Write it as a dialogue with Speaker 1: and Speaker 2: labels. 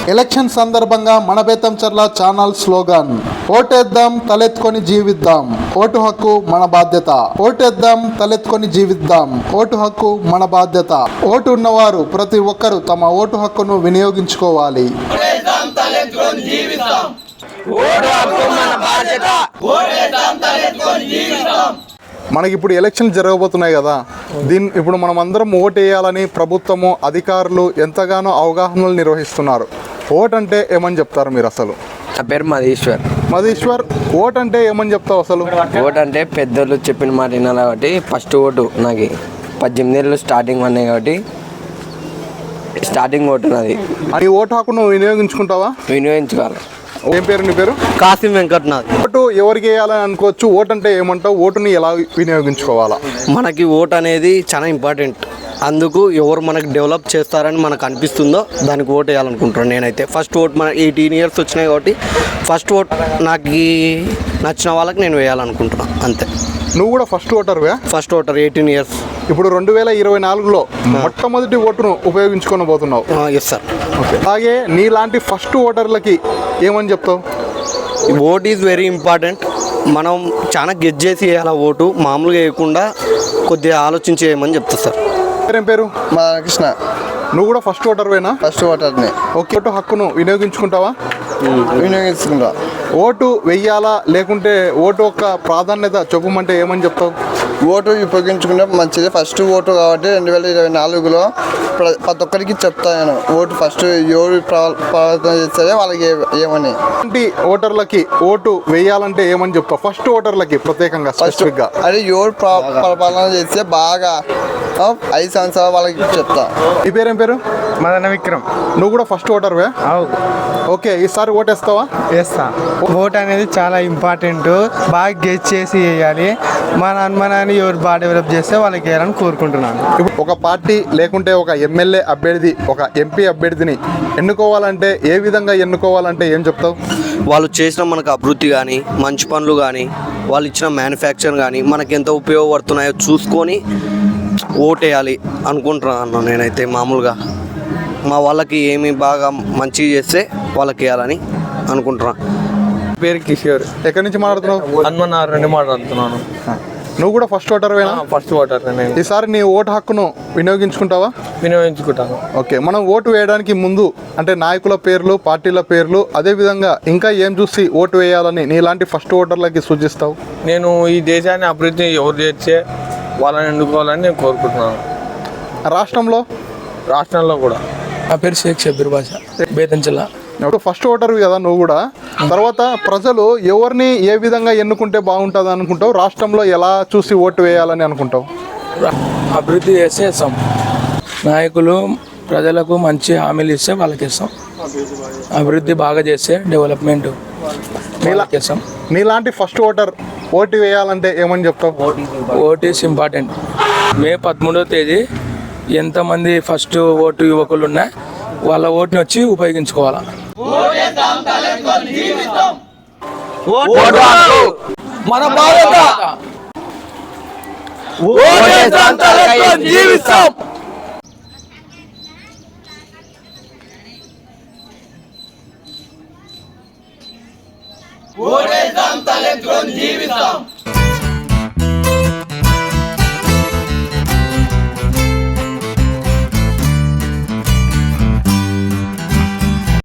Speaker 1: Election సందర్భంగా మన Betamcherla channel slogan ఓటేద్దాం తలెత్తుకొని జీవిద్దాం, ఓటు హక్కు మన బాధ్యత. ఓటేద్దాం తలెత్తుకొని జీవిద్దాం, ఓటు హక్కు మన బాధ్యత. ఓటు ఉన్నవారు ప్రతి ఒక్కరూ తమ ఓటు హక్కును వినియోగించుకోవాలి. మనకి ఇప్పుడు ఎలక్షన్ జరగబోతున్నాయి కదా, ఇప్పుడు మనం అందరం ఓటు వేయాలని ప్రభుత్వము అధికారులు ఎంతగానో అవగాహనలు నిర్వహిస్తున్నారు. ఓట్ అంటే ఏమని చెప్తారు మీరు అసలు?
Speaker 2: నా పేరు మధీశ్వర్. ఓట్ అంటే ఏమని చెప్తావు అసలు?
Speaker 3: ఓట్ అంటే పెద్దలు చెప్పిన మాట వినాలి కాబట్టి ఫస్ట్ ఓటు నాకు 18 ఏళ్ళు స్టార్టింగ్ ఉన్నాయి కాబట్టి స్టార్టింగ్ ఓటు నాది.
Speaker 1: నీ ఓటు హక్కును వినియోగించుకుంటావా?
Speaker 3: వినియోగించుకోవాలి.
Speaker 1: ఏం పేరు నీ పేరు?
Speaker 2: కాసిం వెంకట్నాథ్.
Speaker 1: ఓటు ఎవరికి వేయాలని అనుకోవచ్చు, ఓటు అంటే ఏమంటావు? ఓటుని ఎలా వినియోగించుకోవాలా?
Speaker 2: మనకి ఓట్ అనేది చాలా ఇంపార్టెంట్. అందుకు ఎవరు మనకు డెవలప్ చేస్తారని మనకు అనిపిస్తుందో దానికి ఓట్ వేయాలనుకుంటున్నాను నేనైతే. ఫస్ట్ ఓట్ మన 18 ఇయర్స్ వచ్చినాయి కాబట్టి ఫస్ట్ ఓట్ నాకు నచ్చిన వాళ్ళకి నేను వేయాలనుకుంటున్నాను అంతే.
Speaker 1: నువ్వు కూడా ఫస్ట్ ఓటర్వే?
Speaker 2: First voter 18 years.
Speaker 1: ఇప్పుడు 2024లో మొట్టమొదటి ఓటును ఉపయోగించుకొని పోతున్నావు.
Speaker 2: Yes sir.
Speaker 1: ఓకే, అలాగే నీలాంటి ఫస్ట్ ఓటర్లకి ఏమని చెప్తావు?
Speaker 2: Vote is very important. మనం చాలా గెస్ చేసి వేయాలి ఓటు, మామూలుగా వేయకుండా కొద్దిగా ఆలోచించి వేయమని చెప్తా సార్.
Speaker 1: ఏం పేరు?
Speaker 4: మా కృష్ణ.
Speaker 1: నువ్వు కూడా ఫస్ట్ ఓటర్వేనా?
Speaker 4: ఫస్ట్ ఓటర్ని.
Speaker 1: ఓకే, ఓటు హక్కును వినియోగించుకుంటావా?
Speaker 4: వినియోగించుకుంటా.
Speaker 1: ఓటు వెయ్యాలా లేకుంటే ఓటు యొక్క ప్రాధాన్యత చెప్పమంటే ఏమని చెప్తావు?
Speaker 4: ఓటు ఉపయోగించుకుంటే మంచిది. ఫస్ట్ ఓటు కాబట్టి 2024లో ప్రతి ఒక్కరికి చెప్తాను ఓటు ఫస్ట్ ఎవరు ప్రవర్తన చేస్తారో వాళ్ళకి ఏమని.
Speaker 1: అలాంటి ఓటర్లకి ఓటు వేయాలంటే ఏమని చెప్తావు? ఫస్ట్ ఓటర్లకి ప్రత్యేకంగా స్పెసిఫిక్గా
Speaker 4: అది ఎవరు పరిపాలన చేస్తే బాగా 5 సంవత్సరాలు వాళ్ళకి చెప్తా.
Speaker 1: ఈ పేరేం పేరు?
Speaker 5: మదన విక్రమ్.
Speaker 1: నువ్వు కూడా ఫస్ట్ ఓటర్వే? ఓకే, ఈసారి ఓటేస్తావా?
Speaker 5: వేస్తా. ఓట్ అనేది చాలా ఇంపార్టెంట్. బాగా గెస్ చేసి వేయాలి. మన అనుమానాన్ని ఎవరు బాగా డెవలప్ చేస్తే వాళ్ళకి వేయాలని కోరుకుంటున్నాను.
Speaker 1: ఇప్పుడు ఒక పార్టీ లేకుంటే ఒక ఎమ్మెల్యే అభ్యర్థి, ఒక ఎంపీ అభ్యర్థిని ఎన్నుకోవాలంటే ఏ విధంగా ఎన్నుకోవాలంటే ఏం చెప్తావు?
Speaker 2: వాళ్ళు చేసిన మనకు అభివృద్ధి కానీ, మంచి పనులు కానీ, వాళ్ళు ఇచ్చిన మ్యానుఫ్యాక్చర్ కానీ మనకి ఎంత ఉపయోగపడుతున్నాయో చూసుకొని ఓటేయాలి అనుకుంటున్నాను నేనైతే. మామూలుగా మా వాళ్ళకి ఏమి బాగా మంచిగా చేస్తే వాళ్ళకి వేయాలని అనుకుంటున్నాను.
Speaker 5: పేరు కిషోర్.
Speaker 1: ఎక్కడి నుంచి మాట్లాడుతున్నావు?
Speaker 5: హనుమన్నార్ నుండి మాట్లాడుతున్నాను.
Speaker 1: నువ్వు కూడా ఫస్ట్ ఓటర్వేనా?
Speaker 5: ఫస్ట్ ఓటర్ నేను.
Speaker 1: ఈసారి నీ ఓటు హక్కును వినియోగించుకుంటావా?
Speaker 5: వినియోగించుకుంటాను.
Speaker 1: ఓకే, మనం ఓటు వేయడానికి ముందు అంటే నాయకుల పేర్లు, పార్టీల పేర్లు, అదేవిధంగా ఇంకా ఏం చూసి ఓటు వేయాలని నీలాంటి ఫస్ట్ ఓటర్లకి సూచిస్తావు?
Speaker 5: నేను ఈ దేశాన్ని అభివృద్ధి ఎవరు చేస్తే వాళ్ళని ఎన్నుకోవాలని నేను కోరుకుంటున్నాను. రాష్ట్రంలో కూడా.
Speaker 6: నా పేరు షేక్ షబ్బీర్ బాషా, బేతంచెర్ల.
Speaker 1: ఫస్ట్ ఓటర్వి కదా నువ్వు కూడా. తర్వాత ప్రజలు ఎవరిని ఏ విధంగా ఎన్నుకుంటే బాగుంటుంది అనుకుంటావు? రాష్ట్రంలో ఎలా చూసి ఓటు వేయాలని అనుకుంటావు?
Speaker 6: అభివృద్ధి చేస్తే ఇస్తాం. నాయకులు ప్రజలకు మంచి హామీలు ఇస్తే వాళ్ళకి ఇస్తాం. అభివృద్ధి బాగా చేస్తే డెవలప్మెంట్ ఇస్తాం.
Speaker 1: నీలాంటి ఫస్ట్ ఓటర్ ఓటు వేయాలంటే ఏమని చెప్తావు?
Speaker 6: Vote is important. మే 13వ తేదీ ఎంతమంది ఫస్ట్ ఓటు యువకులు ఉన్నా వాళ్ళ ఓటుని వచ్చి ఉపయోగించుకోవాలా.
Speaker 2: మన బాధ్యత. జీవిస్తాం.
Speaker 7: ఓటేద్దాం తలెత్తుకొని జీవిస్తాం.